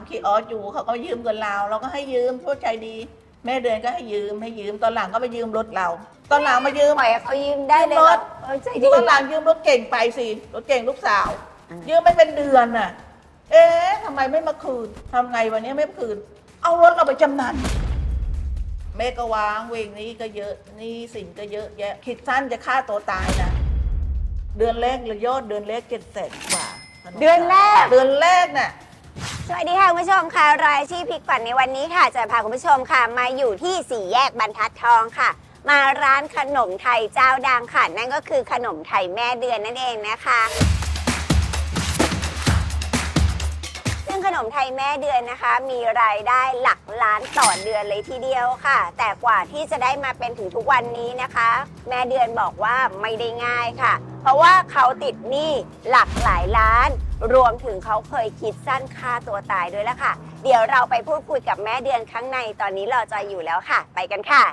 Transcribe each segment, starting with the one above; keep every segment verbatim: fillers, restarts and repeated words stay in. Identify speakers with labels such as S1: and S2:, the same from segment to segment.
S1: คีออสอยู่เขาก็ยืมเงินเราเราก็ให้ยืมทั่วใจดี แม่เดือนก็ให้ยืมให้ยืมตอนหลังก็ไปยืมรถเรา ตอนหลังมายืม
S2: ปล่อยให้เขายืมได้เลย
S1: ยืมรถ
S2: เออใจดี
S1: ตอนหลังยืมรถเก่งไปสิรถเก่งลูกสาว ยืมไม่เป็นเดือนน่ะ เอ๊ะทำไมไม่มาคืนทำไงวันนี้ไม่มาคืน เอารถเราไปจำนำแม่ก็วางเวงนี้ก็เยอะนี่สิ่งก็เยอะแยะคิดสั้นจะฆ่าตัวตายนะเดือนแรกเลยยอดเดือนแรกเจ็ดแสนกว่า
S2: เดือนแรก
S1: เดือนแรกน่ะ
S2: สวัสดีค่ะคุณผู้ชมค่ะรายชื่อพลิกฝันในวันนี้ค่ะจะพาคุณผู้ชมค่ะมาอยู่ที่สี่แยกบรรทัดทองค่ะ มาร้านขนมไทยเจ้าดังค่ะนั่นก็คือขนมไทยแม่เดือนนั่นเองนะคะซึ่งขนมไทยแม่เดือนนะคะ มีรายได้หลักล้านต่อเดือนเลยทีเดียวค่ะ แต่กว่าที่จะได้มาเป็นถึงทุกวันนี้นะคะ แม่เดือนบอกว่าไม่ได้ง่ายค่ะ เพราะว่าเขาติดหนี้หลักหลายล้าน รวมถึงเขาเคยคิดสั้นฆ่าตัวตายด้วยแล้วค่ะ เดี๋ยวเราไปพูดคุยกับแม่เดือนข้างในตอนนี้รอจอยอยู่แล้วค่ะ ไปกันค่ะ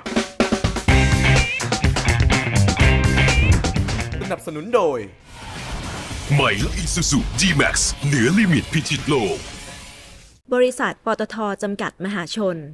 S3: สนับสนุนโดย
S4: ใหม่และ Isuzu G-Max เหนือลิมิตพิชิตโลก
S5: บริษัทปตท.จำกัดมหาชน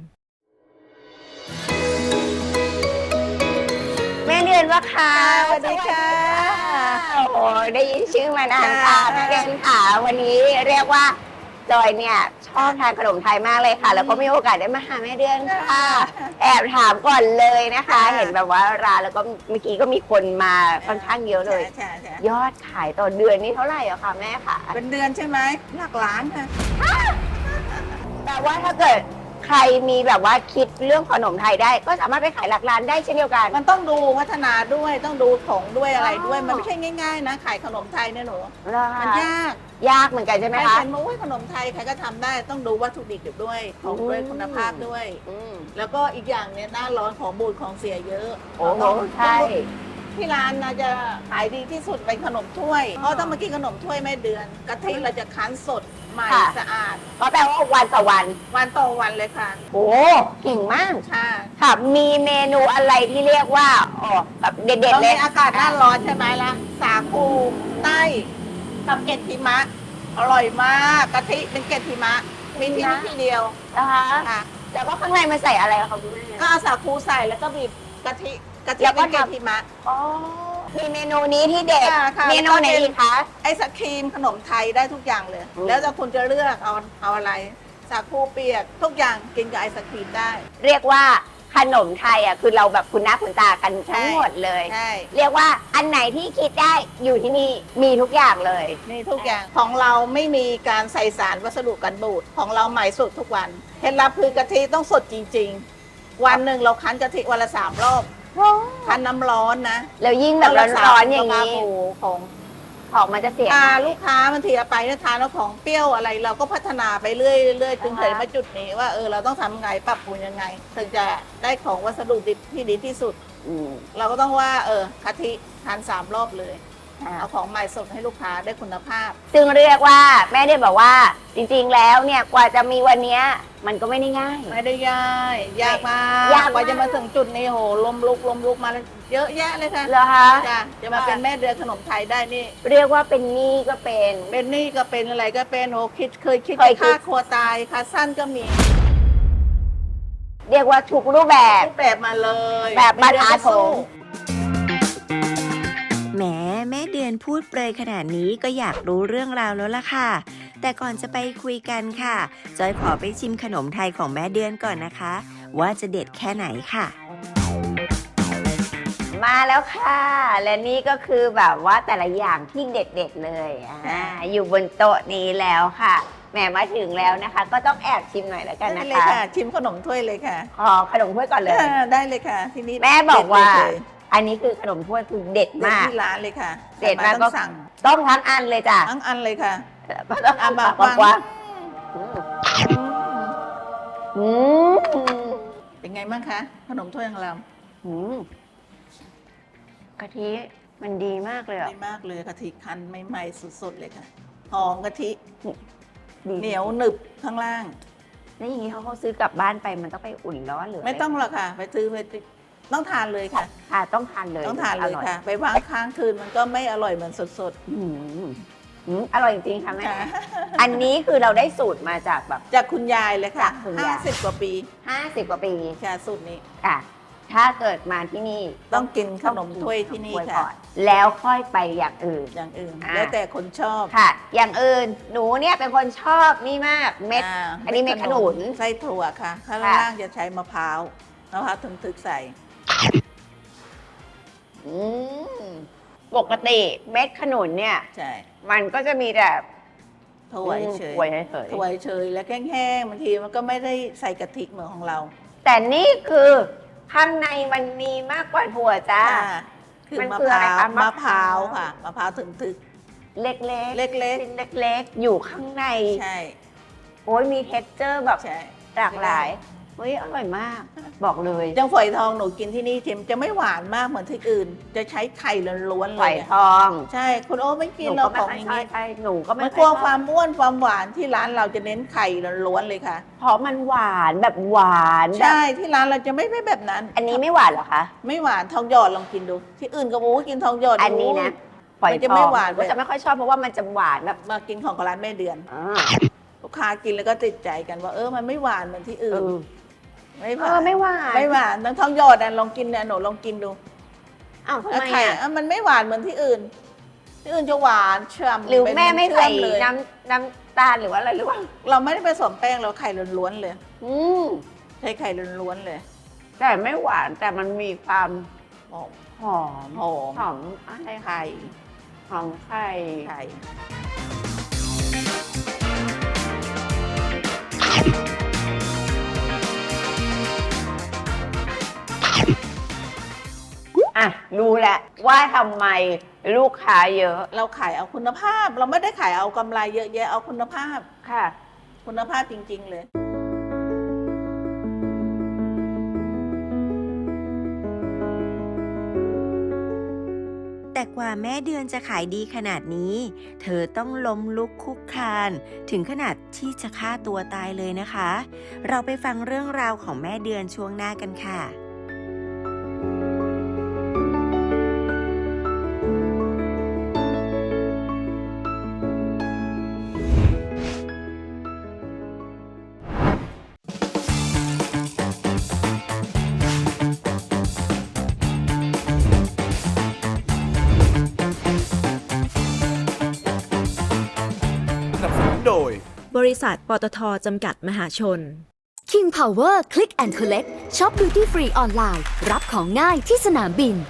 S2: แม่เดือนว่าค่ะ
S1: สวัสดีค่ะ
S2: โอ้โหได้ยินชื่อมานานค่ะ
S1: ค่ะ
S2: แม่เดือนค่ะวันนี้เรียกว่าจอยเนี่ยชอบทานขนมไทยมากเลยค่ะ แล้วก็มีโอกาสได้มาหาแม่เดือนค่ะ แอบถามก่อนเลยนะคะ เห็นแบบว่าร้านแล้วก็เมื่อกี้ก็มีคนมาค่อนข้างเยอะเลย
S1: ใช่ใช่
S2: ยอดขายต่อเดือนนี่เท่าไหร่อะคะแม่คะ
S1: เป็นเดือนใช่ไหมหลักล้านค่ะ
S2: แต่ว่าถ้าเกิดใครมีแบบว่าคิดเรื่องขนมไทยได้ ก็สามารถไปขายหลักร้านได้เช่นเดียวกัน
S1: มันต้องดูพัฒนาด้วยต้องดูของด้วยอะไรด้วย
S2: อ๋อ
S1: มันไม่ใช่ง่ายๆนะขายขนมไทยเนี่ยหนู
S2: เหรอคะ
S1: มันยาก
S2: ยากเหมือนกันใช่ไหม
S1: ใคร
S2: คะ
S1: เป็นมุ้ยขนมไทยใครก็ทำได้ต้องดูวัตถุดิบด้วยของด้วย
S2: อืม
S1: คุณภาพด้วย
S2: อืม
S1: แล้วก็อีกอย่างเนี่ยหน้าร้อนของบูดของเสียเยอะ
S2: โอ้โห
S1: ต้อง
S2: ใช่
S1: ที่ร้านนะจะขายดีที่สุดเป็นขนมถ้วย เพราะถ้ามากินขนมถ้วยแม่เดือนกะทิเราจะคั้นสดใหม่
S2: ค่ะ
S1: สะอาด
S2: ก็แปลว่าวันต่อวัน
S1: วันต่อวันเลยค่ะ
S2: โอ้เก่งมาก
S1: ค่ะ
S2: ค่ะ มีเมนูอะไรที่เรียกว่าอ๋อแบบเด็ด
S1: ตอ
S2: ๆ
S1: น
S2: เลย
S1: นี้อากาศหน้าร้อนใช่ไหมล่ะสาคูใต้กับเกล็ดหิมะ อร่อยมากกะทิเป็นเกล็ดหิมะมีที่นี่ที่เดียว
S2: นะคะ
S1: ค่ะ
S2: แล้วก็ข้างในมันใส่อะไรคะคุณแม่
S1: ก็เอาสาคูใส่แล้วก็บีบกะทิกะทิ
S2: แล้วก็
S1: เป็นเกล็ด
S2: ทำ
S1: หิมะ
S2: อ๋อมีเมนูนี้ที่เด็ด
S1: ค่ะค่ะ
S2: เมนูไหนอีกคะ
S1: ไอศครีมขนมไทยได้ทุกอย่างเลย
S2: อืม
S1: แล้วแต่คุณจะเลือกเอาเอาอะไร สาคูเปียกทุกอย่างกินกับไอศครีมได้
S2: เรียกว่าขนมไทยอ่ะคือเราแบบคุณหน้าคุณตากันทั้งหมดเลย
S1: ใช่
S2: เรียกว่าอันไหนที่คิดได้อยู่ที่นี่มีทุกอย่างเลย
S1: มีทุกอย่างของเราไม่มีการใส่สารวัสดุกันบูดของเราใหม่สดทุกวันเคล็ดลับคือกะทิต้องสดจริง ๆ วันหนึ่งเราคั้นกะทิวันละสามรอบคั้นน้ำร้อนนะ
S2: แล้วยิ่งแบบร้อนๆอย่างนี้
S1: นี้ของ
S2: ของมันจะเสีย
S1: อ่าลูกค้าบางทีเอาไปเนี่ยทานแล้วของเปรี้ยวอะไร เราก็พัฒนาไปเรื่อยเรื่อยจนถึงมาจุดนี้ว่าเออเราต้องทำไงปรับปรุงยังไง ถึงจะได้ของวัสดุดิบที่ดีที่สุด
S2: อืม
S1: เราก็ต้องว่าเออกะทิทานสามรอบเลย
S2: อ่า
S1: เอาของใหม่สดให้ลูกค้าได้คุณภาพ
S2: ซึ่งเรียกว่าแม่ได้บอกว่าจริงๆแล้วเนี่ยกว่าจะมีวันเนี้ยมันก็ไม่ได้ง่าย
S1: ไม่ได้ยากยากมาก
S2: ยากมาก
S1: กว่าจะมาถึงจุดนี้โหลมลุกลมลุกมาแล้วเยอะแยะเลยค่ะ
S2: เหรอคะ
S1: จ้ะจะมาเป็นแม่เดือนขนมไทยได้นี่
S2: เรียกว่าเป็นหนี้ก็เป็น
S1: เป็นหนี่ก็เป็นอะไรก็เป็นโหคิดเคยคิด
S2: เคย
S1: จะ
S2: คิด
S1: ฆ่าครัวตายขาสั้นก็มี
S2: เรียกว่าทุกรูปแบบ
S1: รูปแบบมาเลย
S2: แบบบรรทัด
S1: สู้
S2: ผม
S5: แหมแม่เดือนพูดเปรยขนาดนี้ก็อยากรู้เรื่องราวแล้วล่ะค่ะ แต่ก่อนจะไปคุยกันค่ะ จอยขอไปชิมขนมไทยของแม่เดือนก่อนนะคะ ว่าจะเด็ดแค่ไหนค่ะ
S2: มาแล้วค่ะ และนี่ก็คือแบบว่าแต่ละอย่างที่เด็ดๆเลยอ่าอยู่บนโต๊ะนี้แล้วค่ะแหมมาถึงแล้วนะคะ ก็ต้องแอบชิมหน่อยแล้วกัน
S1: ได้
S2: นะ
S1: เลย
S2: คะ
S1: ค่ะ ชิมขนมถ้วยเลยค่ะ
S2: ขอขนมถ้วยก่อนเลย
S1: อ่าได้เลยค่ะ ที่นี่
S2: แม่บอกว่า
S1: เด็ดเลย
S2: อันนี้คือขนมถ้วยคือเด็ด
S1: เด็ด
S2: มาก
S1: ที่ร้านเลยค่ะ
S2: เด็ดมาก
S1: ใคร
S2: ก็
S1: ต้องสั่ง
S2: ต้องทั้งอันเลยจ้ะ
S1: ทั้งอันเลยค่ะ
S2: ก็ต้อง
S1: อ่ะ
S2: เอา
S1: บา
S2: ปาก กว้างอืม
S1: เป็นไงบ้างคะ ขนมถ้วยของเรา
S2: อืมกะทิมันดีมากเลยอ่ะ
S1: ดีมากเลยกะทิคั้นใหม่ๆสดๆเลยค่ะหอมกะทิ
S2: ดี
S1: เหนียวหนึบข้างล่าง
S2: แล้วอย่างนี้เขาเขาซื้อกลับบ้านไปมันต้องไปอุ่นร้อนหรือ
S1: ไม่ต้องหรอกค่ะ ไปซื้อไปต้องทานเลยค่ะ
S2: ค่ะต้องทานเลย
S1: ต้องทานเลย
S2: ร่
S1: ค่ะ ไปวางค้างคืนมันก็ไม่อร่อยเหมือนสด
S2: อืมอืมอร่อยจริงๆค่ะแม่
S1: ค่ะ
S2: อันนี้คือเราได้สูตรมาจากแบบ
S1: จากคุณยายเลยค่ะ
S2: จากคุณยาย
S1: ห้าสิบกว่าปี
S2: ห้าสิบกว่าปี
S1: ค่ะสูตรนี้
S2: ค่ะ ถ้าเกิดมาที่นี่
S1: ต้องกินขนมถ้วยที่นี่
S2: ต้องกินขม
S1: ค่ะ
S2: ถ้วยก่อนแล้วค่อยไปอย่างอื่น
S1: อย่างอื่น
S2: อ่า
S1: แล้วแต่คนชอบ
S2: ค่ะ อย่างอื่นหนูเนี่ยเป็นคนชอบนี่มากเม็ด
S1: า
S2: อันนี้เม็ดขนุน
S1: ไส้ถั่วค่ะ ข้าง
S2: ค่ะ
S1: ล่างจะใช้มะพร้าวมะพร้าวถึกๆใส่
S2: อืมปกติเม็ดขนุนเนี่ย
S1: ใช่
S2: มันก็จะมีแต่
S1: ถั่วเฉย
S2: ถั่วเฉย
S1: ถั่วเฉยแล้วแห้งๆบางทีมันก็ไม่ได้ใส่กะทิเหมือนของเรา
S2: ๆแต่นี่คือข้างในมันมีมากกว่าถั่วจ้า
S1: ค่ะคือ
S2: มัน
S1: มะ
S2: คือ
S1: พ
S2: อะไร
S1: ร้าว
S2: คะ
S1: มะ
S2: มะ
S1: พ
S2: พร้า
S1: ร้าว วค่ะมะพร้าวถึก
S2: เล็กๆ
S1: เล็กๆ
S2: ชิ้นเล็กๆ อยู่ข้างใน
S1: ๆใช่
S2: โอ้ยมี เท็กเจอร์ แบบ
S1: ใช่
S2: หลากหลายเฮ้ยอร่อยมาก บอกเลย
S1: จังฝอยทองหนูกินที่นี่เค็มจะไม่หวานมากเหมือนที่อื่น จะใช้ไข่ล้วนๆเล
S2: ฝอย ย
S1: อะ
S2: ทอง
S1: ใช่คุณโอ้ไม่
S2: ห
S1: กิน
S2: นู
S1: เรา
S2: ก็
S1: ข
S2: ไม่
S1: อง
S2: ค่อย
S1: อย่าง
S2: ชอบ
S1: นี้
S2: ใช่หนูก็ไม่
S1: มัน
S2: ค่
S1: ก
S2: อย
S1: ลัว
S2: ชอบ
S1: ความอ้วนความหวานที่ร้านเราจะเน้นไข่ล้วนๆเลยค่ะ
S2: เพราะมันหวานแบบหวานแบบ
S1: ใช่ที่ร้านเราจะไม่ไม่แบบนั้น
S2: อันนี้ไม่หวานเหรอคะ
S1: ไม่หวานทองหยอดลองกินดู ที่อื่นก็บอกว่ากินทองหยอด
S2: อันนี้นะฝอย
S1: มัน
S2: ท
S1: จะ
S2: อง
S1: ไม่หวาน
S2: ก็จะไม่ค่อยชอบเพราะว่ามันจะหวานแบบ
S1: มากินของร้านแม่เดือน
S2: อ่า
S1: ลูกค้ากินแล้วก็ติดใจกันว่าเออมันไม่หวานเหมือนที่
S2: เอ
S1: อื่น
S2: อ
S1: ไม่ห
S2: เอ
S1: วา
S2: อน ไม่หวาน
S1: ไม่หวานน้ำทองหยอดอ่ะลองกินเนี่ยหนูลองกินดู
S2: อ้าวทำ
S1: แล้ว
S2: ไม
S1: ไข่
S2: อ่ะ
S1: อ่ะมันไม่หวานเหมือนที่อื่น ที่อื่นจะหวานเชื่อม
S2: หรือ
S1: เป็น
S2: แม่ไม่ใส่
S1: เชื่อเลย
S2: น้ำน้ำตาลหรือว่าอะไรหรือเปล่า
S1: เราไม่ได้ผสมแป้งเราไข่ล้วนๆเลย
S2: อืม
S1: ใช้ไข่ล้วนๆเลย
S2: แต่ไม่หวานแต่มันมีความ
S1: หอม
S2: หอม
S1: หอม
S2: หอมอะไรคะ
S1: ไข่
S2: หอมไข่
S1: ไข่
S2: อ่ะรู้แหละว่าทำไมลูกค้าเยอะ
S1: เราขายเอาคุณภาพ เราไม่ได้ขายเอากำไรเยอะแยะเอาคุณภาพ
S2: ค่ะ
S1: คุณภาพจริง ๆ เลย
S5: แต่กว่าแม่เดือนจะขายดีขนาดนี้ เธอต้องล้มลุกคลุกคลาน ถึงขนาดที่จะฆ่าตัวตายเลยนะคะ เราไปฟังเรื่องราวของแม่เดือนช่วงหน้ากันค่ะ
S4: สนับสนุนโดย
S3: บริษัทปตทจำกัดมหาชน
S6: King Power Click and Collect ช็อป Duty Free ออนไลน์ รับของง่ายที่สนามบิน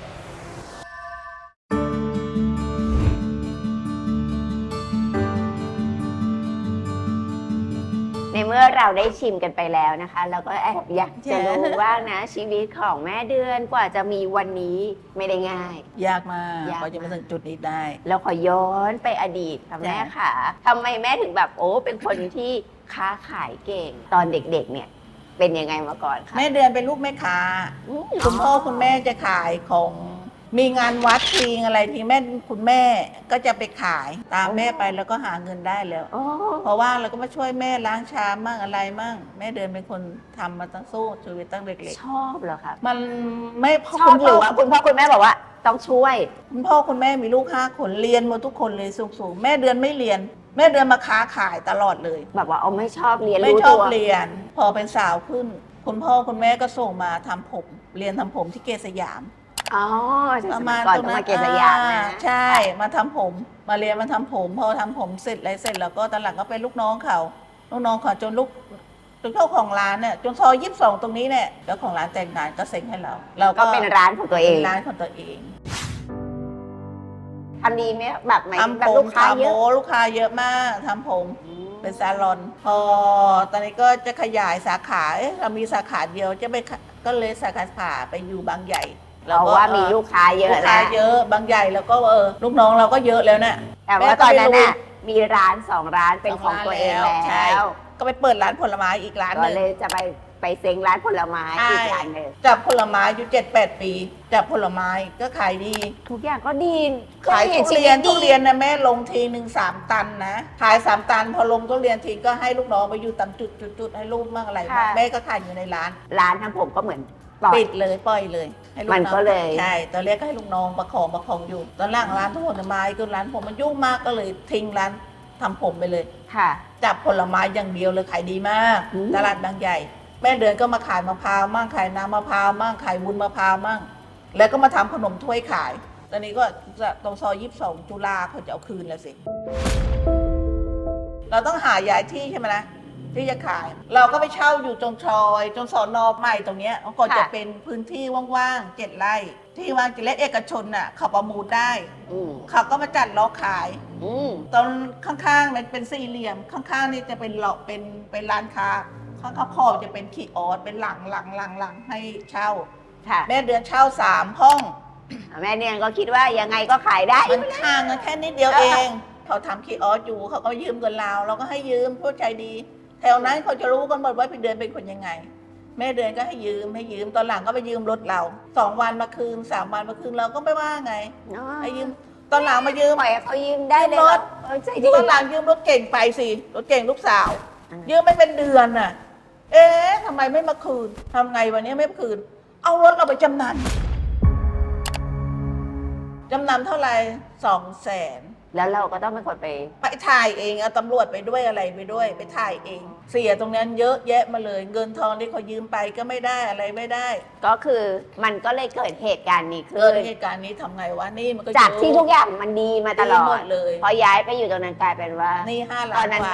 S2: ในเมื่อเราได้ชิมกันไปแล้วนะคะ เราก็แอบอยากจะรู้ว่านะ ชีวิตของแม่เดือนกว่าจะมีวันนี้ไม่ได้ง่าย
S1: ยากมาก
S2: ยาก
S1: กว่าจะมาถึงจุดนี้ได้
S2: เราขอย้อนไปอดีตค่ะแม่
S1: จ้ะ
S2: ค่ะทำไมแม่ถึงแบบโอ้เป็นคนที่ค้าขายเก่ง ตอนเด็กๆเนี่ย เป็นยังไงมาก่อนคะ
S1: แม่เดือนเป็นลูกแม่ค้า
S2: อืม
S1: คุณพ่อคุณแม่จะขายของมีงานวัดทีอะไรทีแม่คุณแม่ก็จะไปขายตามแม่ไปแล้วก็หาเงินได้แล้ว
S2: โอ้
S1: เพราะว่าเราก็มาช่วยแม่ล้างชามมั่งอะไรมั่งแม่เดือนเป็นคนทำมาตั้งสู้ชีวิตตั้งเด็ก
S2: ชอบเหรอคะ
S1: ๆมันไม่พ่อ
S2: ชอ
S1: คุ
S2: บ
S1: ณ
S2: หรือ
S1: พ่อ
S2: ว่าคุณพ่อคุณแม่บอกว่าต้องช่วย
S1: คุณพ่อคุณแม่มีลูกห้าคนเรียนหมดทุกคนเลยสูงๆแม่เดือนไม่เรียน แม่เดือนมาค้าขายตลอดเลย
S2: แบบว่าเอาไม่ชอบเรียน
S1: ไม่
S2: รู้
S1: ชอบ
S2: ตัว
S1: เรียน พอเป็นสาวขึ้น คุณพ่อคุณแม่ก็ส่งมาทำผม เรียนทำผมที่เกษยาม
S2: อ๋อ
S1: ประมาณ
S2: ก่อน
S1: ตรง
S2: ต้อง
S1: นั้
S2: มาน เกษยามนะ
S1: อ่ใช่มาทำผม มาเรียนมาทำผม พอทำผมเสร็จอะไรเสร็จแล้วก็ตอนหลังก็เป็นลูกน้องเขาลูกน้องเขาจนลูกจนเจ้าของร้านเนี่ยจนซอยยี่สิบสองตรงนี้เนี่ยเจ้าของร้านแต่งงานก็เซ็งให้เรา เรา
S2: ก็เป็นร้านของตัวเอง
S1: เป็นร้านของตัวเอง
S2: ทำดีไหมแบบไหม
S1: ทำ
S2: แบ
S1: ผ
S2: บ
S1: ม
S2: ลูกค้า
S1: ทำ
S2: เย
S1: โม
S2: อะ
S1: ลูกค้าเยอะมากทำผม เป็นซาลอน พอตอนนี้ก็จะขยายสาขาเอ๊ะเรามีสาขาเดียวจะไปขก็เลยสาขาไปอยู่บางใหญ่
S2: เพราะว่ามีลูกค้าเยอะ
S1: ลูกค้า
S2: แล้ว
S1: เยอะบางใหญ่แล้วก็เออลูกน้องเราก็เยอะแล้วเนี่ย
S2: แต่ว่าตอนนั้นน่ะมีร้านสองร้านเป็นของตัวเอง
S1: ใช่
S2: แล้ว
S1: ก็ไปเปิดร้านผลไม้อีกร้านห
S2: ก็
S1: นึ่ง
S2: เลยจะไปไปเซ็งร้านผลไม้อีกร้านหนึ่ง
S1: จับผลไม้อยู่เจ็ดแปดปีจับผลไม้ก็ขายดี
S2: ทุกอย่างก็ดี
S1: ขาย
S2: ก็ห็
S1: ทุเรียน
S2: ชีวิต
S1: ทุ
S2: ดี
S1: เรียนนะแม่ลงทีหนึ่งสามตันนะขายสามตันพอลงทุเรียนทีก็ให้ลูกน้องไปอยู่ตามจุดจุดจุดให้ลูกมั่งอะไรมั่งแม่ก็ขายอยู่ในร้าน
S2: ร้านทำผมก็เหมือนปล่อย
S1: ปิดเลยปล่อยเลยให้ลูก
S2: มัน
S1: น้อง
S2: ก็เลย
S1: ใช่ตอนแรกก็ให้ลูกน้องประคองประคองอยู่ ตอนหล่างร้านทุกผลไม้คือร้านผมมันยุ่งมากก็เลยทิ้งร้านทำผมไปเลย
S2: ค่ะ
S1: จับผลไม้อย่างเดียวเลยขายดีมาก
S2: อืม
S1: ตลาดบางใหญ่ แม่เดือนก็มาขายมะพร้าวมั่งขายน้ำมะพร้าวมั่งขายวุ้นมะพร้าวมั่งแล้วก็มาทำขนมถ้วยขาย ตอนนี้ก็จะตรงซอยยี่สิบสองจุฬาเขาจะเอาคืนแล้วสิ เราต้องหาย้ายที่ใช่ไหมนะที่จะขาย เราก็ไปเช่าอยู่จงชอยจงสอนอใหม่ตรงเนี้ยก็จะเป็นพื้นที่ว่างๆเจ็ดไร่ที่ว่างเจ็ดไร่เอกชนน่ะเขาประมูลได้
S2: อืม
S1: เขาก็มาจัดล้อขาย
S2: อืม
S1: ตอนข้างๆมันเป็นสี่เหลี่ยมข้างๆนี่จะเป็นหลอกเป็นเป็นร้านค้าข้างๆขอบจะเป็นคีออสเป็นหลังหลังหลังหลังให้เช่า
S2: ค่ะ
S1: แม่เดือนเช่าสามห้อง
S2: แม่เดือนก็คิดว่ายังไงก็ขายได้
S1: มันห่างกันแค่นิดเดียวเอง เขาทำคีออสอยู่เขาก็ยืมเงินเราเราก็ให้ยืมผู้ใจดี แถวนั้นเขาจะรู้กันหมดว่าพี่เดือนเป็นคนยังไง แม่เดือนก็ให้ยืมให้ยืมตอนหลังก็ไปยืมรถเราสองวันมาคืนสามวันมาคืนเราก็ไม่ว่าไง
S2: เนาะ
S1: ให้ยืมตอนหลังมายืม
S2: ปล่อยให้เขายืมได้เลย
S1: ยืมรถ
S2: เออใจดี
S1: ตอนหลังยืมรถเก่งไปสิรถเก่งลูกสาว
S2: อ่ายื
S1: ยืมไม่เป็นเดือนน่ะ เอ๊ะทำไมไม่มาคืนทำไงวันนี้ไม่มาคืน เอารถเราไปจำนำจำนำเท่าไหร่สองแสน
S2: แล้วเราก็ต้องเป็นคนไป
S1: ไปถ่ายเองเอาตำรวจไปด้วยอะไรไปด้วย ไปถ่ายเอง เสียตรงนั้นเยอะแยะมาเลย เงินทองที่เขายืมไปก็ไม่ได้อะไรไม่ได้
S2: ก็คือมันก็เลยเกิดเหตุการณ์นี้
S1: เกิ
S2: ขึ้
S1: ด
S2: น
S1: เหตุการณ์นี้ทำไงวะนี่มันก็
S2: จาก
S1: เยอะ
S2: ที่ทุกอย่างมันดีมาตลอ
S1: ดีหม
S2: ด
S1: ดเลย
S2: พอย้ายไปอยู่ตรงนั้นกลายเป็นว่า
S1: นี่ห้าล้า
S2: ตอน นนั้น
S1: กว่า
S2: แม่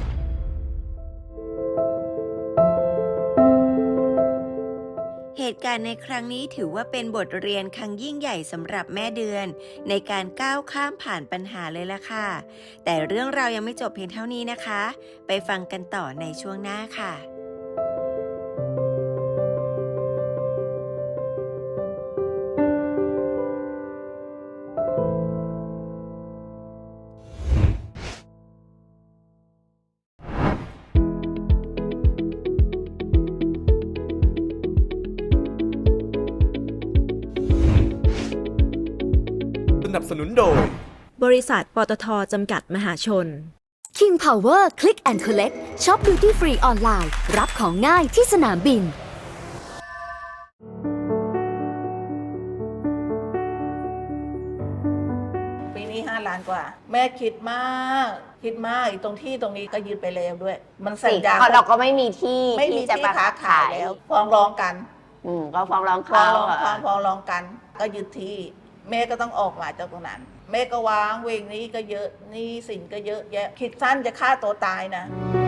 S5: เหตุการณ์ในครั้งนี้ถือว่าเป็นบทเรียนครั้งยิ่งใหญ่สำหรับแม่เดือน ในการก้าวข้ามผ่านปัญหาเลยล่ะค่ะ แต่เรื่องราวยังไม่จบเพียงเท่านี้นะคะ ไปฟังกันต่อในช่วงหน้าค่ะ
S7: สนับสนุนโดย
S3: บริษัทปตทจำกัดมหาชน
S6: King Power Click and Collect ช็อป Duty Free ออนไลน์ รับของง่ายที่สนามบิน
S1: ปีนี้ห้าล้านกว่า แม่คิดมาก คิดมากอีกตรงที่ตรงนี้ก็ยืดไปแล้วด้วย มันสัญญา
S2: เพราะเราก็ไม่มีที่
S1: ไม่มี
S2: ที่จะ
S1: ที่
S2: มา
S1: ค้าขายแล้วฟ้องร้องกัน
S2: อืมก็ฟ้องร้อง
S1: ฟ้อ
S2: เขา
S1: งร้อง
S2: อะ
S1: ฟ้องฟ้องร้องกัน ก็ยึดที่ แม่ก็ต้องออกมาจากตรงนั้น แม่ก็วางเวงนี้ก็เยอะหนี่สินก็เยอะแยะ คิดสั้นจะฆ่าตัวตายนะ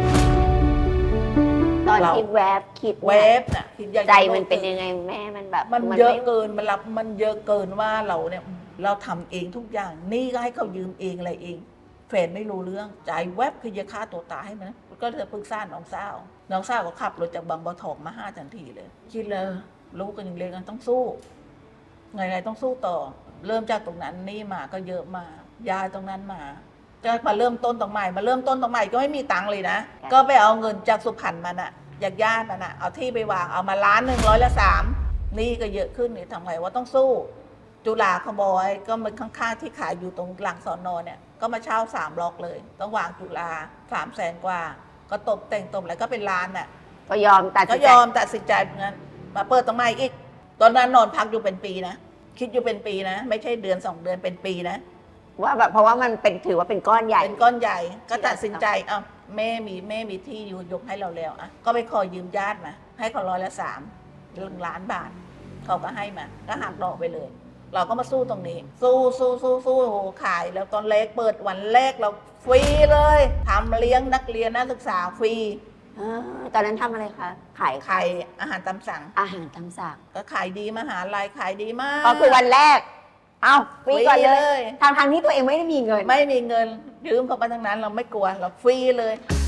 S2: ตอน
S1: เรา
S2: ที่แวบคิด
S1: เว
S2: นี่ย
S1: ฟน่ะคิดอยากจะ
S2: ใจมันเป็นยังไงแม่มันแบบ
S1: มันเยอะ
S2: ไ
S1: เกินมันรับมันเยอะเกินว่าเราเนี่ยเราทำเองทุกอย่างหนี่ก็ให้เขายืมเองอะไรเองแฟนไม่รู้เรื่องใจแวบคือจะฆ่าตัวตายให้มันก็เธอปรึกษาน้องสาวน้องสาวก็ขับรถจากบางบัวทองมาห้าทันทีเลย คิดเลยลูกกันยังเล็กกันต้องสู้ไงไงต้องสู้ต่อ เริ่มจากตรงนั้นหนี่มาก็เยอะมายายตรงนั้นมาก็มาเริ่มต้นตรงใหม่มาเริ่มต้นตรงใหม่ก็ไม่มีตังค์เลยนะก็ไปเอาเงินจากสุพรรณมาน่ะอยากญาติมันน่ะเอาที่ไปวางเอามาล้านหนึ่งร้อยละสามหนี่ก็เยอะขึ้นนี่ทำไงว่าต้องสู้ จุฬาขบอยก็มันข้างๆที่ขายอยู่ตรงหลังสอนอเนี่ยก็มาเช่าสามบล็อกเลย ต้องวางจุฬาสามแสนกว่า ก็ตบแต่งตบอะไรก็เป็นล้านน่ะ
S2: ก็ยอมตัด
S1: ก็
S2: สินใจ
S1: ยอมตัดสินใจงั้นมาเปิดตรงใหม่อีก ตอนนั้นนอนพักอยู่เป็นปีนะคิดอยู่เป็นปีนะ ไม่ใช่เดือนสองเดือนเป็นปีนะ
S2: ว่าแบบเพราะว่ามันเป็นถือว่าเป็นก้อนใหญ่
S1: เป็นก้อนใหญ่ก็ตัดสินใจเอ้าแม่มีแม่มีที่อยู่ยกให้เราแล้วอ่ะก็ไปขอยืมญาติมาให้เขาร้อยละสามหนึ่งล้านบาท เขาก็ให้มาก็หักดอกไปเลย เราก็มาสู้ตรงนี้ สู้สู้สู้สู้โหขายแล้วตอนแรกเปิดวันแรกเราฟรีเลยทำเลี้ยงนักเรียนนักศึกษาฟรี
S2: เออตอนนั้นทำอะไรคะ ขาย
S1: ขายอาหารตามสั่ง
S2: อาหารตามสั่ง
S1: ก็ขายดีมหาลัยขายดีมาก
S2: ก็คือวันแรก เอาฟรีก่อน
S1: ฟรี
S2: เล
S1: เลย ย
S2: ทางทางๆที่ตัวเองไม่ได้มีเงิน
S1: ไม่มีเงินยืมเขาไปทั้งนั้นเราไม่กลัวเราฟรีเลย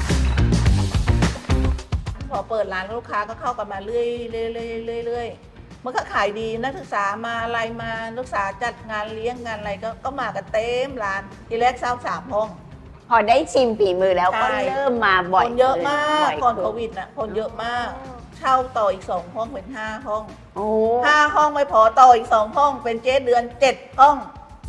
S1: พอเปิดร้านลูกค้าก็เข้ากันมาเรื่อยเรื่อยเรื่อยเรื่อยเรื่อยมันก็ขายดีนักศึกษามาอะไรมานักศึกษาจัดงานเลี้ยงงานอะไรก็ก็มากันเต็มร้านทีแรกเช่าสามห้อง
S2: พอได้ชิมฝีมือแล้วก็
S1: ใช่
S2: เริ่มมาบ่อย
S1: คนเยอะมาก
S2: บ่ย
S1: ก่อน
S2: ขึ้
S1: โควิดน่ะคนเยอะมาก เช่าต่ออีกสองห้องเป็นห้าห้อง
S2: โอ้
S1: ห้าห้องไม่พอต่ออีกสองห้องเป็นเจ๊เดือนเจ็ดห้อง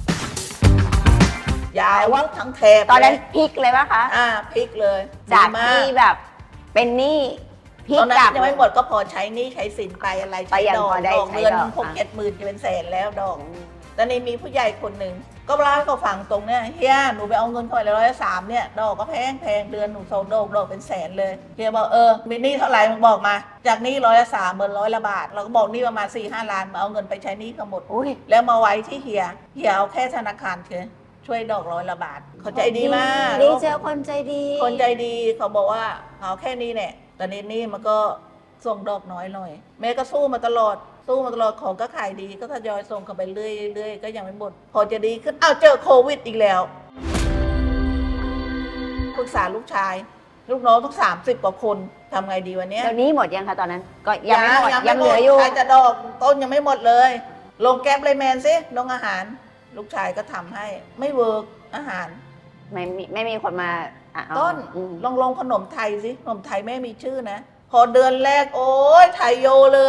S1: ยาวว่าทั้งแถบ
S2: ตอนนั้น
S1: เลย
S2: พลิกเลยปะคะ
S1: อ่าพลิกเลย
S2: จาก
S1: ดีม
S2: ที่แบบเป็นหนี้พพลิก
S1: ตอนนั้
S2: กลับ
S1: นยังไม่หมดก็พอใช้หนี่ใช้สินไปอะไร
S2: ก็
S1: ใช้
S2: ยัง
S1: ดอก
S2: พอได้
S1: ดอก
S2: ใช้
S1: เงิน
S2: ดอก
S1: หก
S2: อ่ะ
S1: เจ็ดหมื่นจะเป็นแสนแล้วดอกตอนนี้มีผู้ใหญ่คนหนึ่งก็เล่าให้เขาฟังตรงเนี่ยเฮียหนูไปเอาเงินเขาไปร้อยสามเนี่ยดอกก็แพงแพงเดือนหนูโซดอกดอกเป็นแสนเลยเฮียบอกเออมีหนี้เท่าไหร่มึงบอกมาจากหนี้ร้อยละสามเหมือนร้อยละบาทเราก็บอกหนี้ประมาณสี่ห้าล้านมาเอาเงินไปใช้หนี้เขาหมด
S2: อุ้ย
S1: แล้วมาไว้ที่เฮียเฮียเอาแค่ธนาคารเถอะช่วยดอกร้อยละบาทเขาใจดีมาก
S2: ดีเจอคนใจดี
S1: คนใจดีเขาบอกว่าเอาแค่นี้เนี่ยตอนนี้นี่มันก็ส่งดอกน้อยหน่อยแม่ก็สู้มาตลอดสู้มาตลอดของก็ขายดีก็ทยอยส่งเข้าไปเรื่อยเรื่อยก็ยังไม่หมดพอจะดีขึ้นอ้าวเจอโควิดอีกแล้วปรึกษาลูกชาย ลูกน้องต้องสามสิบกว่าคนทำไงดีวันนี้
S2: เดี๋ยวนี้หมดยังคะตอนนั้น ก็ยังไม่หมดยังเหลือ
S1: ไม่
S2: อยู่
S1: ใครจะดอกต้นยังไม่หมดเลย ลงแก๊ปเลยแมนซิลงอาหาร ลูกชายก็ทำให้ไม่เวิร์กอาหาร
S2: ไม่มีไม่มีคนมาอ่ะเอา
S1: ต้น
S2: อืม
S1: ลองลงขนมไทยสิขนมไทยแม่มีชื่อนะ พอเดือนแรกโอ้ยไทยโยเลย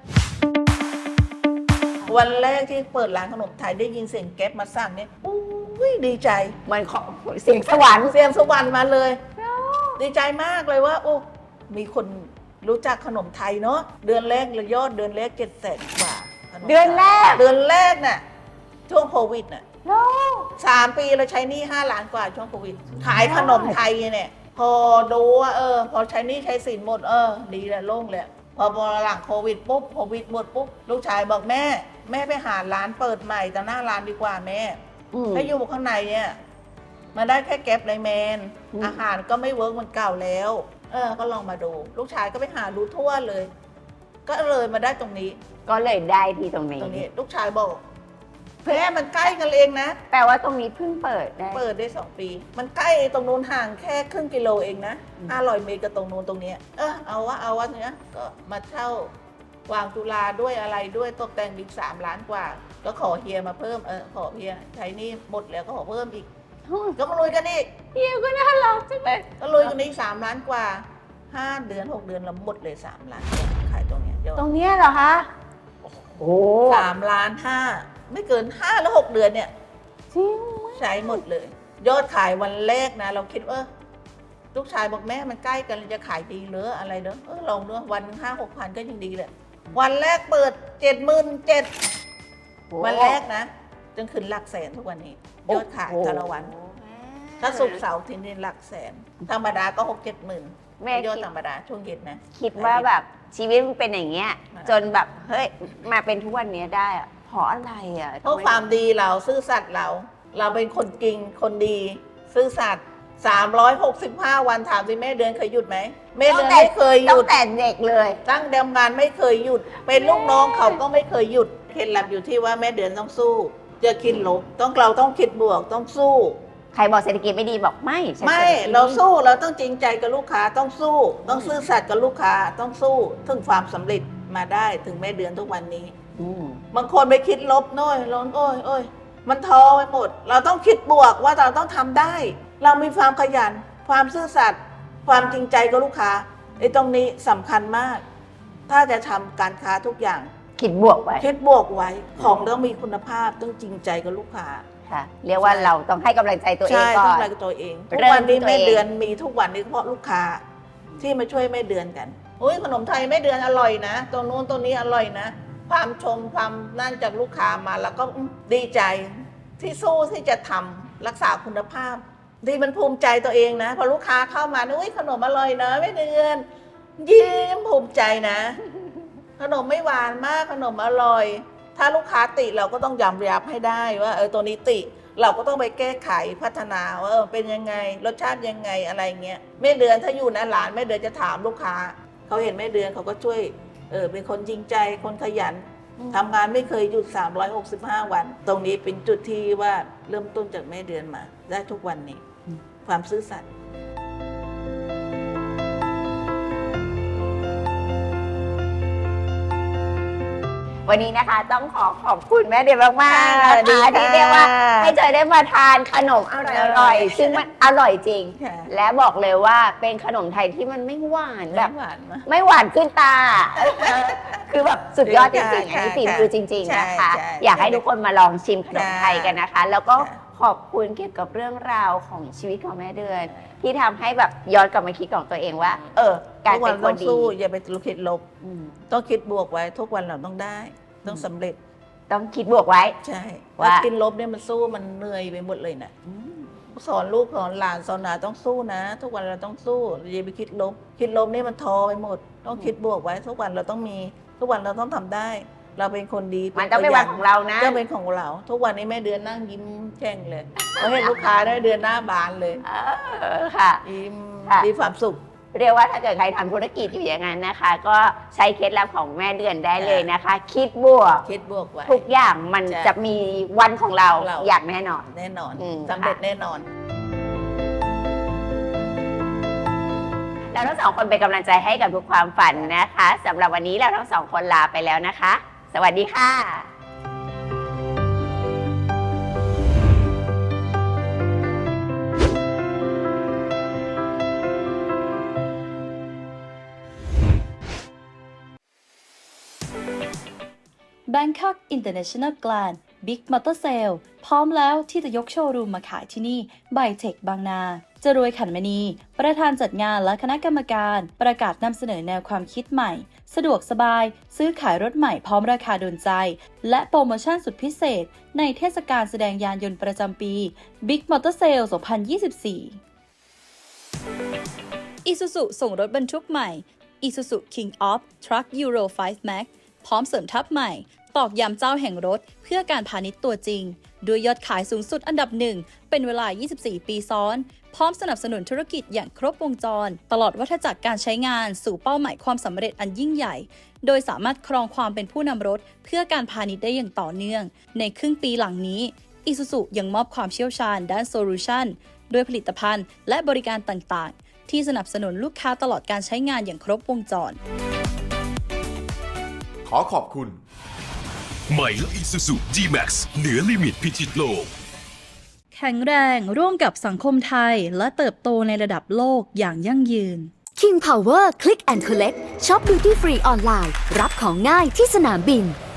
S1: วันแรกที่เปิดร้านขนมไทยได้ยินเสียงแก๊ปมาสั่งเนี่ยอุ้ยดีใจ
S2: เหมือนของเสียงสวรรค์
S1: เสียงสวรรค์มาเลย ดีใจมากเลยว่าโอ้มีคนรู้จักขนมไทยเนาะเดือนแรกเลยยอดเดือนแรกเจ็ดแสนกว่าขมไทย
S2: เดือนแรก
S1: เดือนแรกน่ะช่วงโควิดน่ะสามปีเราใช้หนี้ห้าล้านกว่าช่วงโควิด ขายขนมไทยเนี่ยพอดูว่าเออพอใช้หนี้ใช้สินหมดเออดีแล้วโล่งเลยพอพอหลังโควิดปุ๊บโควิดหมดปุ๊บลูกชายบอกแม่ แม่ไปหาร้านเปิดใหม่แต่หน้าร้านดีกว่าแม่
S2: อืม
S1: ถ้าอยู่ข้างในเนี่ยมาได้แค่แก๊ปไลน์แมน
S2: อืม
S1: อาหารก็ไม่เวิร์กเหมันเก่าแล้ว เออ ก็ลองมาดู ลูกชายก็ไปหาดูทั่วเลย ก็เลยมาได้ตรงนี้
S2: ก็เลยได้ที่ตรงนี้
S1: ตรงนี้ ลูกชายบอกแม่มันใกล้กันเองนะ
S2: แปลว่าตรงนี้เพิ่งเปิดได้
S1: เปิดได้สองปี มันใกล้ตรงนู้นห่างแค่ครึ่งกิโลเองนะ
S2: อืม
S1: ห้าร้อยเมตรกับตรงนู้นตรงเนี้ยเออเอาวะเอาวะเนี้ยก็มาเช่าวางจุฬาด้วยอะไรด้วยตกแต่งอีกสามล้านกว่า ก็ขอเฮียมาเพิ่มเออขอเฮียใช้หนี่หมดแล้วก็ขอเพิ่มอีก ก็มาลุยกันอีก
S2: เฮียก็น่ารักจังเลย
S1: ก็ลุยกันอีกสามล้านกว่าห้าเดือนหกเดือนเราหมดเลยสามล้านกว่าขายตรงเนี้ยยอด
S2: ตรงเนี้ยเหรอคะ โอ้
S1: สามล้านห้าไม่เกินห้าแล้วหกเดือนเนี่ย
S2: จริง
S1: ใช้หมดเลย ยอดขายวันแรกนะ เราคิดว่าลูกชายบอกแม่มันใกล้กันจะขายดีเหรืออะไรเนอะเออลองเนอะวันห้าหกพันก็ยังดีเลยวันแรกเปิดเจ็ดหมื่นเจ็ดวันแรกนะจนขึ้นหลักแสนทุกวันนี้ ยอดขายแต่ละวัน ถ้าสุกร์เสาร์ทีนี้หลักแสน ธรรมดาก็หกเจ็ดหมื่น
S2: แม่
S1: ยอด
S2: คิด
S1: ธรรมดาช่วงเย็นนะ
S2: คิดว่าแบบชีวิตมันเป็นอย่างเงี้ย
S1: อ่า
S2: จนแบบเฮ้ยมาเป็นทุกวันนี้ได้อะเพราะอะไรอะ
S1: เพราะความดีเราซื่อสัตย์เรา เราเป็นคนจริงคนดี ซื่อสัตย์สามร้อยหกสิบห้าวันถามสิแม่เดือนเคยหยุดไหมแม่เดือนไม่เคยห
S2: ตั้
S1: ยุ
S2: ง
S1: ด
S2: แต่เด็กเลย
S1: ตั้งเดิมงานไม่เคยหยุด เป็นลูกน้องเขาก็ไม่เคยหยุดเคล็ดลับอยู่ที่ว่าแม่เดือนต้องสู้เจอคิดลบต้องเราต้องคิดบวกต้องสู้
S2: ใครบอกเศรษฐกิจไม่ดีบอกไม่ฉัน
S1: ไม่
S2: ศษฐกิจดี
S1: เราสู้เราต้องจริงใจกับลูกค้าต้องสู้ ต้องซื่อสัตย์กับลูกค้าต้องสู้ถึงความสำเร็จมาได้ถึงแม่เดือนทุกวันนี้
S2: อืม
S1: บางคนไปคิดลบโน้อยร้อนโอ้ยโอ้ยมันท้อไปหมด เราต้องคิดบวกว่าเราต้องทำได้ เรามีความขยัน ความซื่อสัตย์ความจริงใจกับลูกค้าไอ้ตรงนี้สำคัญมาก ถ้าจะทำการค้าทุกอย่าง
S2: คิดบวกไว้
S1: คิดบวกไว้ของต้องมีคุณภาพต้องจริงใจกับลูกค้า
S2: ค่ะ เรียกว่าเราต้องให้กำลังใจตัวเอง
S1: ใช่
S2: ก่
S1: ต้
S2: อ
S1: อง
S2: น
S1: รักตัวเองทุก
S2: เริ่ม
S1: วันนี้
S2: ที่ตัว
S1: แม่
S2: เอง
S1: เดือนมีทุกวันนี้เพราะลูกค้า ที่มาช่วยแม่เดือนกันอุ้ยขนมไทยแม่เดือนอร่อยนะตรงนู้นตรงนี้อร่อยนะ ความชมความนั่นจากลูกค้ามาแล้วก็อืมดีใจที่สู้ที่จะทำรักษาคุณภาพที่มันภูมิใจตัวเองนะพอลูกค้าเข้ามาอุ้ยขนมอร่อยนะแม่เดือนยิ้มภูมิใจนะ ขนมไม่หวานมากขนมอร่อย ถ้าลูกค้าติเราก็ต้องยอมรับให้ได้ว่าเออตัวนี้ติ เราก็ต้องไปแก้ไขพัฒนาว่าเออเป็นยังไงรสชาติยังไงอะไรเงี้ยแม่เดือนถ้าอยู่ในร้านแม่เดือนจะถามลูกค้าเขาเห็นแม่เดือนเขาก็ช่วยเออเป็นคนจริงใจคนขยันทำงานไม่เคยหยุดสามร้อยหกสิบห้าวัน ตรงนี้เป็นจุดที่ว่าเริ่มต้นจากแม่เดือนมาได้ทุกวันนี้ ความซื่อสัตย์
S2: วันนี้นะคะต้องขอขอบคุณแม่เดือนมากๆ
S1: ค่ะ
S2: นะ
S1: ดี
S2: คะ
S1: ค่ะ
S2: ที่เรียกว่าให้เจอได้มาทานขนมอร่อยๆซึ่งมันอร่อยจริง
S1: ค่ะ
S2: และบอกเลยว่าเป็นขนมไทยที่มันไม่หวานแบบ
S1: หวานมาก
S2: ไม่หวานขึ้นตา คือแบบสุดยอดจริงๆอัน
S1: ค่ะ
S2: นี้ฝี
S1: ค่ะ
S2: มือจริง ๆ นะคะ
S1: ใช่ใช่
S2: อยากให้ทุกคนมาลองชิมขนมไทยกันนะคะ แล้วก็
S1: ค่ะ
S2: ขอบคุณเกี่ยวกับเรื่องราวของชีวิตของแม่เดือน ที่ทำให้แบบย้อนกลับมาคิดของตัวเองว่า เออ การ
S1: ทุกวั
S2: เป็น นค
S1: ต้อน ง
S2: ดี
S1: สู้อย่าไปคิดลบ
S2: อืม
S1: ต้องคิดบวกไว้ ทุกวันเราต้องได้ ต้องสำเร็จ
S2: ต้องคิดบวกไว้
S1: ใช่
S2: ว่า
S1: ถ้าคิดลบเนี่ยมันสู้มันเหนื่อยไปหมดเลยนะสอนลูกสอนหลานสอนหลานต้องสู้นะ ทุกวันเราต้องสู้อย่าไปคิดลบ คิดลบนี่มันท้อไปหมด ต้องคิดบวกไว้ ทุกวันเราต้องมี ทุกวันเราต้องทำได้ เราเป็นคนดี
S2: มันต้องเป็นวันของเรานะ
S1: จะเป็นของเรา ทุกวันนี้แม่เดือนนั่งยิ้มแช่งเลยพอเห็นลูกค้าได้เดือนหน้าบานเลย
S2: เออค่ะ
S1: ยิ้ม
S2: ค่ะ
S1: มีความสุข
S2: เรียกว่าถ้าเกิดใครทำธุรกิจอยู่อย่างนั้นนะคะ ก็ใช้เคล็ดลับของแม่เดือนได้เลยนะคะ คิดบวก
S1: คิดบวกไว้
S2: ทุกอย่างมัน
S1: ใช่
S2: จะมีวันของเรา
S1: ของเรา
S2: อย่างแน่นอน
S1: แน่นอน
S2: อืม
S1: สำเร็จแน่นอน
S2: เราทั้งสองคนเป็นกำลังใจให้กับทุกความฝันนะคะสำหรับวันนี้เราทั้งสองคนลาไปแล้วนะคะ สวัสดีค่ะ
S8: Bangkok International Grand Big Motor Sale พร้อมแล้วที่จะยกโชว์รูมมาขายที่นี่ Bytech บางนา จรวยขันมณี ประธานจัดงานและคณะกรรมการ ประกาศนำเสนอแนวความคิดใหม่ สะดวกสบาย ซื้อขายรถใหม่พร้อมราคาโดนใจ และโปรโมชั่นสุดพิเศษ ในเทศกาลแสดงยานยนต์ประจำปี Big Motor Sale สองพันยี่สิบสี่ Isuzu ส่งรถบรรทุกใหม่ Isuzu King of Truck Euro ไฟว์ Max พร้อมเสริมทัพใหม่ ตอกย้ำเจ้าแห่งรถเพื่อการพาณิชย์ตัวจริง ด้วยยอดขายสูงสุดอันดับหนึ่งเป็นเวลา ยี่สิบสี่ ปีซ้อน พร้อมสนับสนุนธุรกิจอย่างครบวงจร ตลอดวัฏจักรการใช้งานสู่เป้าหมายความสำเร็จอันยิ่งใหญ่ โดยสามารถครองความเป็นผู้นำรถเพื่อการพาณิชย์ได้อย่างต่อเนื่อง ในครึ่งปีหลังนี้ Isuzu ยังมอบความเชี่ยวชาญด้านโซลูชันด้วยผลิตภัณฑ์และบริการต่างๆ ที่สนับสนุนลูกค้าตลอดการใช้งานอย่างครบวงจร
S7: ขอขอบคุณ
S4: ใหม่และ Isuzu D-Max เหนือลิมิตพิชิตโลก
S8: แข็งแรงร่วมกับสังคมไทยและเติบโตในระดับโลกอย่างยั่งยืน
S6: King Power Click and Collect ช็อป Duty Free ออนไลน์รับของง่ายที่สนามบิน